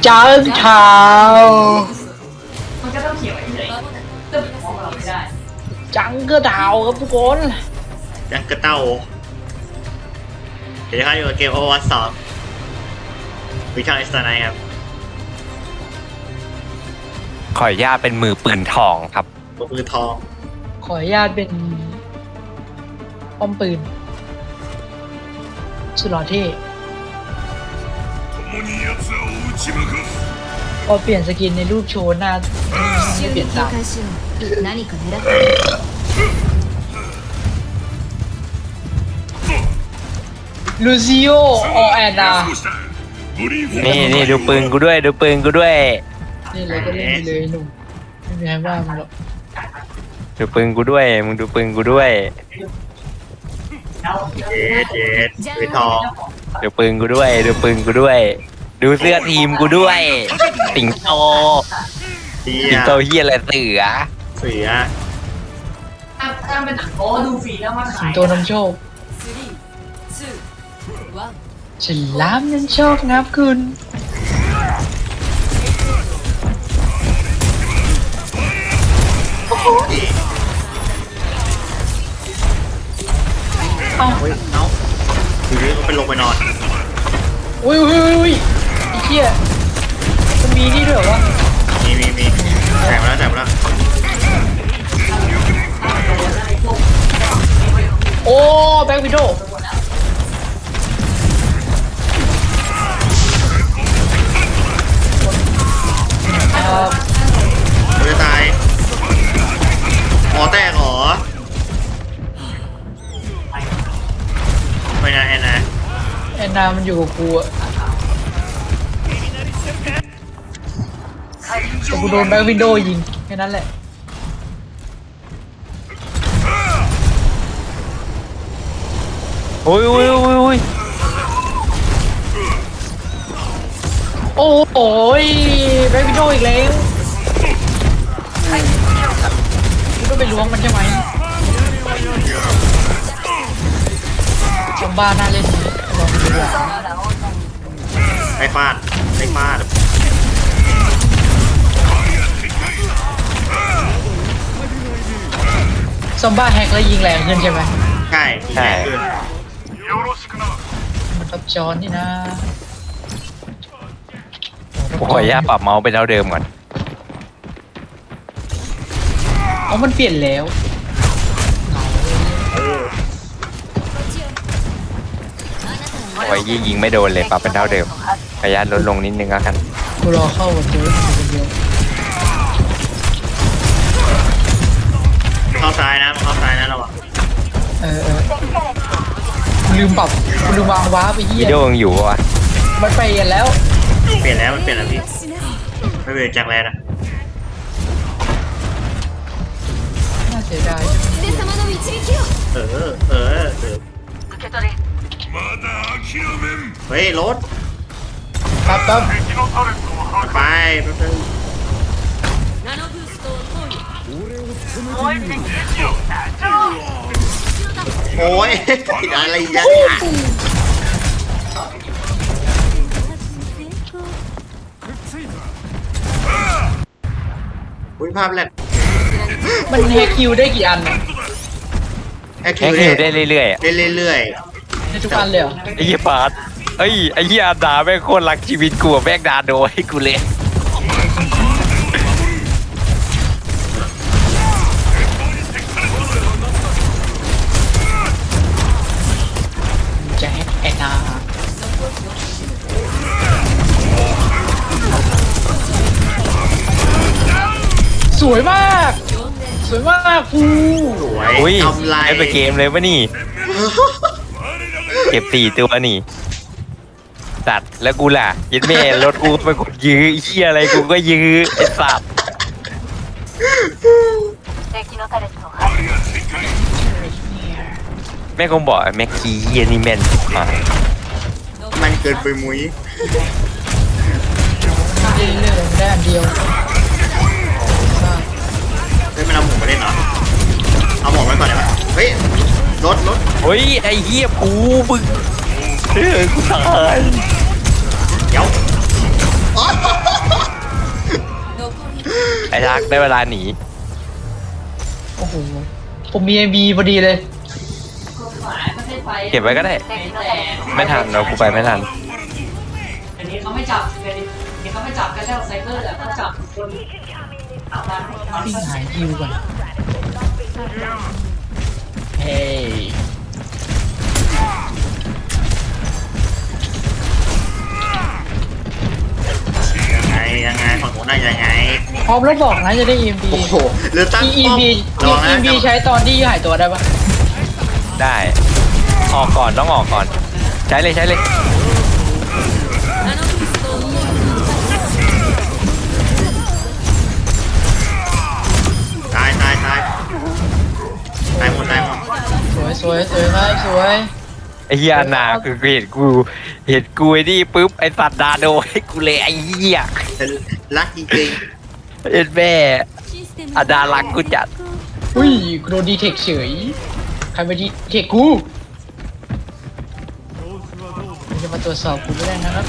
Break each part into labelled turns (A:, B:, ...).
A: จังเท้า
B: มันก็ต้องเขียนไว้เฉยตึ๊บมองเราไม่ได้
A: จังก็เท้าครับทุกคน
C: ยังกระเต้าเดี๋ยวเขาอยู่กับเกมโอวัตสองวิชาอิสตาไนครับ
D: ขออนุญาตเป็นมือปืนทองครับ
C: มือทอง
A: ขออนุญาตเป็นป้อมปืนสุดหล่อเท่พอเปลี่ยนสกินในรูปโชว์หน้าไม่เปลี่ยนตามลูซิโออแอนนา
D: นี่ดูปืนกูด้วยดูปืนกูด้วย
A: นี่เลยก็เล่นไปเลยหนุ่มไม่มีใครว่ามึงหรอก
D: ดูปืนกูด้วยมึงดูปืนกูด้วย
C: เจ็ดมือทอง
D: ดูปืนกูด้วยดูปืนกูด้วย ดูเสื้อทีมกูด้วยสิงโต
C: เที
D: สิ
C: ย
D: งโตเฮียอะไรเสือ
C: เสือ
B: ถ้าเป็นหนังโอ้ดูฟรีแล้วมัน
A: สิ
B: ขาง ย
A: โตนำโชคฉลามนั้นโชคงับคุณเอ้า
C: เฮ้ยเอ้าทีนี้ก็เป็นลงไปนอน
A: อุ้ยไอ้เหี้ยมันมีนี่ด้วยเหรอวะ
C: มีแจกมาแล้ว
A: โอ้แบ็ควิดโดครับ
C: มันจะตายอ๋อแตกเหรอไม่นะแอนนะ
A: แอนนามันอยู่กับกูอะแต่กูโดนแบ็ควิดโดยิงแค่นั้นแหละ
D: โอ้ย
A: โอ้โหแบ็ควิดโดอีกแล้วกูต้องไปล้วงมันใช่ไหมชมบ้านน่าเล่นดีลองดูดีกว่า
C: ไอ้ฟาด
A: ซอมบ้าแฮกแล้วยิงแรงขึ้นใช่ไหม
C: ใช่ใช่ขึ้น
A: มันตับจอนนี่นะ
D: ผมขออนุญาตปรับเมาส์เป็นเท่าเดิมก่อน
A: อ๋อมันเปลี่ยนแล้ว
D: โอ้ยยิงไม่โดนเลยปรับเป็นเท่าเดิมขออนุญาตลดลงนิดนึงแล้วกัน
A: กูรอเข้ากับเจอคนเดียว
C: เข้าซ้ายนะระวัง
A: กูลืมปรับกูลืมวางว้าร์ปไปเหี้
D: วิ
A: ย
D: ดีโอยังอยู่ปะวะ
A: มันไปกันแล้ว
C: เปลี่ยนแล้วมันเปลี่ยนแล้วพี่ไม่เปลี่ยนจากแรกนะ
A: น่าเสียดาย
C: เฮ้ยรถ
A: ครับ
C: ไปแป๊บนึงโอ้ยอะไรยังอุ้ยภาพแรก
A: มันแฮกคิวได้กี่อันอะ
C: แอค
D: แค่
C: คิ
D: คิ
C: ว
D: วได้เรื่อยๆอะ
C: ได้เรื่อย
A: ในทุกอันเลยเหรอ
D: ไอ้เหี้ยปาดไอ้เหี้ยอาดาแม่งโคตรรักชีวิตกูอะแม่งดาโดให้กูเลย
A: จะแฮกแอนนาสวยมากฟู
C: ๆสวย
D: อุ้ย
C: ทำลาย
D: ได้ไปเกมเลยวะนี่ เก็บ4 ตัวนี่สัตว์แล้วกูล่ะยัดแม่รถกูไปกดยื้อไอ้เหี้ยอะไรกูก็ยื้อไอ้สัตว์แม่คงบอกไอ้แม็กกี้เหี้ยนี่แม่นอ่ะ
C: มันเกินไปมุ้ย
A: เรื่อยๆได้อันเดียว
C: เฮ้ยมันเอาหมูมาเล่นเหรอเอาหมูไว้ก่อนได้ปะเฮ้ยรถ
D: เฮ้ยไอ้เหี้ยกูมึงกูตาย
C: เดี๋ยวอ๋อ
D: ไอ้ทักได้เวลาหนี
A: โอ้โหผมมีMBพอดีเลย
B: กฎหมายประเทศไทย
D: เก็บไว้ก็ได้
B: แต่
D: ไม่ทันเรากูไปไม่ทัน
B: อันนี้เขาไม่จับอันนี้เขาไม่จับกันแล้วไซเบอร์แต่เขาจับคนเอาตามเอา
A: วิ่ง
B: ตาม
A: หายคิวก่อนเฮ้ย
C: ยังไงฝั่งโน้นน่ะยังไง
A: พร้อมแล้วบอกนะจะได้ EMB
C: โอ้โหหรือตั้งป้อม
A: EMB
C: ระวังนะ
A: EMB ใช้ตอนที่หายตัวได้ปะ
D: ได้ออกก่อนต้องออกก่อน ใช้เลยใช้เลย
C: ตายตายตายตายหมดตายหมด
A: สวยสวยสวยครับสวย
D: ไอ้เหี้ยนาคือเห็นกูไอ้นี่ปุ๊บไอ้สัตว์ดาโดให้กูเลยไอ้เหี้ย
C: แต่รักจริง
D: เอ็ดแม่อาดารักกูจัด
A: อุ้ยกูโดนดีเทคเฉยใครมาดีเทคกูมึงจะมาตรวจสอบกูไม่ได้นะครับ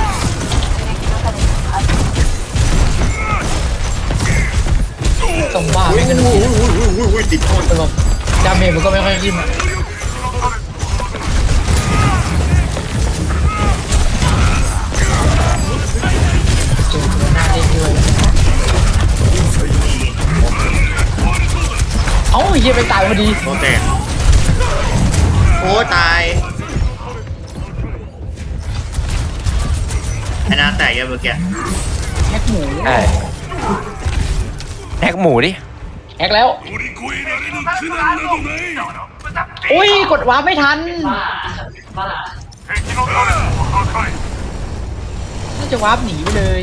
A: ต้องบ้า
C: ๆ
A: ไม่กัน
C: อุ้
A: หม
C: ยติดโทษ
A: แต่แบบดาเมจมันก็ไม่ค่อยขึ้นอะเจอตัวหน้าเล่นด้วยเอ้าเฮียไปตายพอดี
C: โอเคโอ้ตายไอ้หน้าแตกเยอะเมื่อกี้
A: แฮกหมู
D: ใช่แท็กหมูดิ
A: แฮกแล้วอุ้ยกดวาร์ปไม่ทัน
B: บ้า
A: น่าจะวาร์ปหนีไปเลย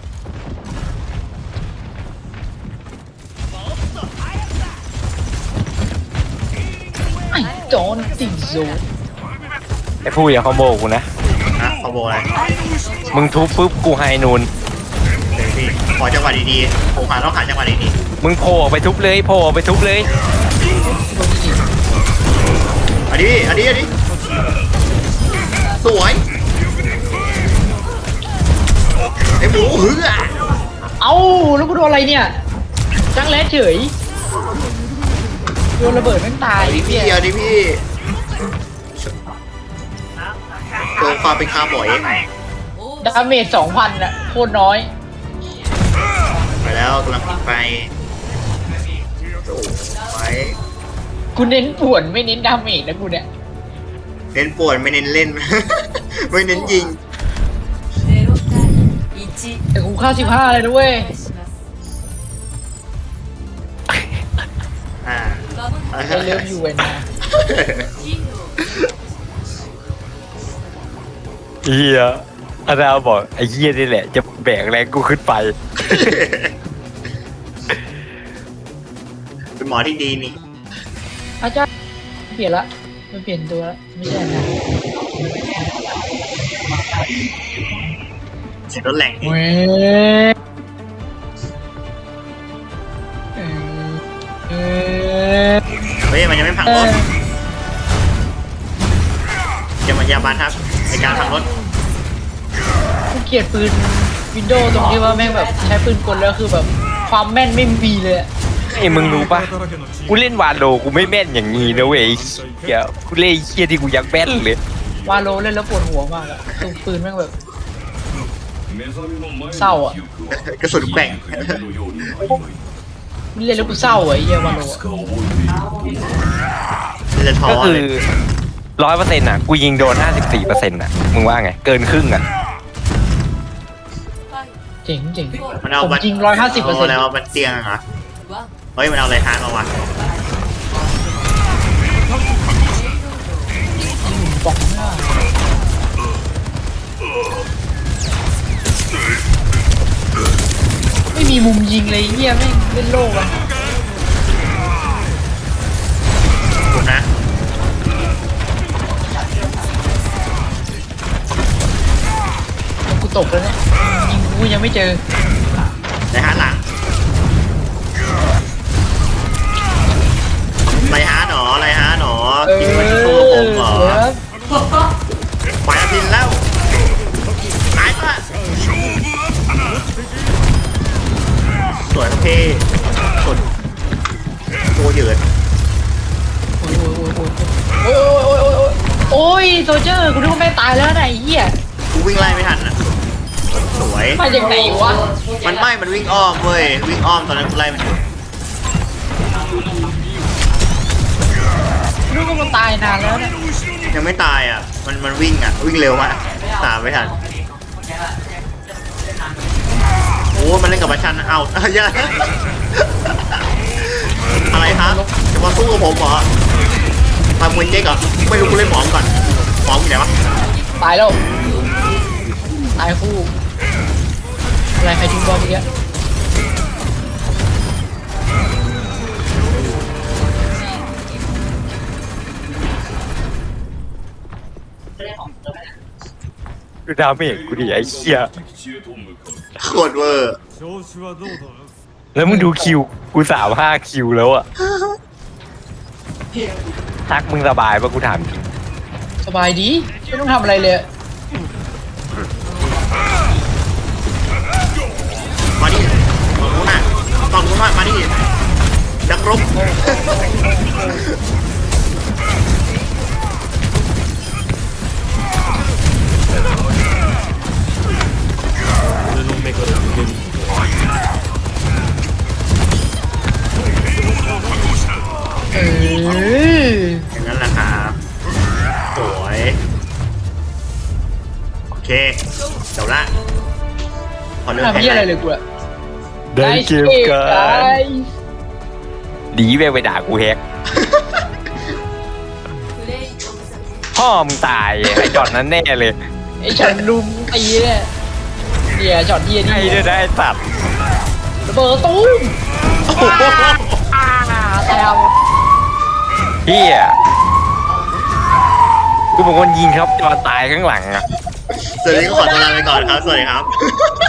A: ไอ้จอนติงโซ
D: ไอ้ผู้อย่าคอมโบกูนะ
C: นะขอโบอะไร
D: มึงทุบปุ๊บกูไฮนูน
C: เดี๋ยวพี่ขอจังหวะดีๆผมหาต้องหาจังหวะดี
D: มึงโผล่ออกไปทุบเลยโผล่ออกไปทุบเลย
A: โดนจริง
C: ๆอันนี้สวยไอ้หมูหืออ่ะ
A: เอ้าแล้วกูโดนอะไรเนี่ยจังแรดเฉยโดนระเบิดแม่งตาย
C: เอาดิพี่เอาดิพี่โดนความเป็นคาร์บอย
A: ดาเมจ 2,000อะโคตรน้อย
C: ไปแล้วกำลังไปโอ้ไป
A: กูเน้นป่วนไม่เน้นดาเมจนะกูเนี่ย
C: เน้นปวดไม่เน้นเล่น ไม่เน้นยิง
A: แต่กูเข้า15เลยนะเว้ย
C: อ่า
A: ไอเลิฟยูเวนนะ
D: เฮียอาดาบอกไอ้เฮียนี่แหละจะแบกแรงกูขึ้นไป
C: เป็นหมอที่ดีนี่
A: อาจารย์เปลี่ยนละมันเปลี่ยนตัวละไม่ใช่นะ
C: เสียงรถแรงอีก
A: เว้ยเออ
C: เฮ้ยมันยังไม่พังรถอย่ามาอย่าบานทับในการพังรถ
A: กูเกลียดปืนวินโดว์ตรงที่ว่าแม่งแบบใช้ปืนกลแล้วคือแบบความแม่นไม่มีเลยอะ
D: ไอ้มึงรู้ปะกูเล่นวาโลกูไม่แม่นอย่างนี้นะเว้ยไอ้เหี้ยกูเล่นไอ้เฮียที่กูอยากแม่นเลย
A: วาโลเล่นแล้วปวดหัวมากอะคือปืนแม่งแบบเศร้าอะ
C: กระสุนแกว่ง
A: เล่นแล้วกูเศร้าอะไอ้เหี้ยวาโลอะ
C: จะท้อ
D: ก็คือ
C: เลย
D: 100%อ่ะกูยิงโดน 54%อ่ะมึงว่าไงเกินครึ่งอ่ะ
A: เจ๋งเจ๋ง
C: มันเอา
A: ผม
C: บัต
A: จริง
C: เอา
A: 150%
C: อะไรมาบัตเตียงเหรอเฮ้ยมันเอาอะไรทานมาวะ
A: บอกหน้าไม่มีมุมยิงเลยไอ้เหี้ยแม่งเล่นโลกอะ
C: คุณนะ
A: แล้วกูตกแล้วเนี่ยยิงกูยังไม่เจอ
C: ไรฮาร์ดหลังไรฮาร์ดหนอไรฮาร์ดหนอกินมันจะสู้กับผมเหรอ
A: ครับ
C: ไปอาพินแล้วตายปะสวยโอเคยืน
A: โอ้ยโซเจอร์กูนึกว่าแม่งตายแล้วนะไอ้เหี้ย
C: กูวิ่งไล่ไม่ทันอ่ะสวย
A: มาจากไหนวะ
C: มันวิ่งอ้อมเว้ยวิ่งอ้อมตอนนั้นกูไล่มันอยู่
A: นึกว่ามันตายนานแล้วนะ
C: ยังไม่ตายอ่ะมันวิ่งอ่ะวิ่งเร็วมากตามไม่ทันโอ้มันเล่นกับบัชชันนะเอาอย่าอะไรครับจะมาสู้กับผมเหรอทำมวยเจ๊กเหรอไม่รู้กูเล่นหมอมก่อนหมอมอยู่ไหนวะ
A: ตายแล้วตายคู่อะไรใครทิ้งบอลเมื่อกี้
D: ดูดาเมจกูดิไอ้เหี้ย
C: โคตรเวอร์
D: แล้วมึงดูคิวกู35 คิวแล้วอะทักมึงสบายปะกูถามจริง
A: สบายดีไม่ต้องทำอะไรเลย
C: มาดิฝั่งนู้นน่ะฝั่งนู้นมาดินักรบ
A: เออ
C: อย่างนั้นแหละครับสวยโอเคจบละขอเลือก
A: ทำ
C: ให้
A: เหี้ยอะไรเลยกูอะ
D: ได้เกมกันดีไปด่ากูแฮกพ่อมึงตายไอ้จอดนั้นแน่เลย
A: ไอ้ฉันลุมตีเนี่ยเหี้ยช็อตเหี้ย
D: ไอ้
A: นี่
D: เนี่ยได้สัตว์
A: ระเบิดตุ้มแตว
D: เฮียกูเป็นคนยิงครับจอดตายข้างหลังอะ
C: สวัสดีก็ขอตัวลาไปก่อนครับ สวัสดีครับ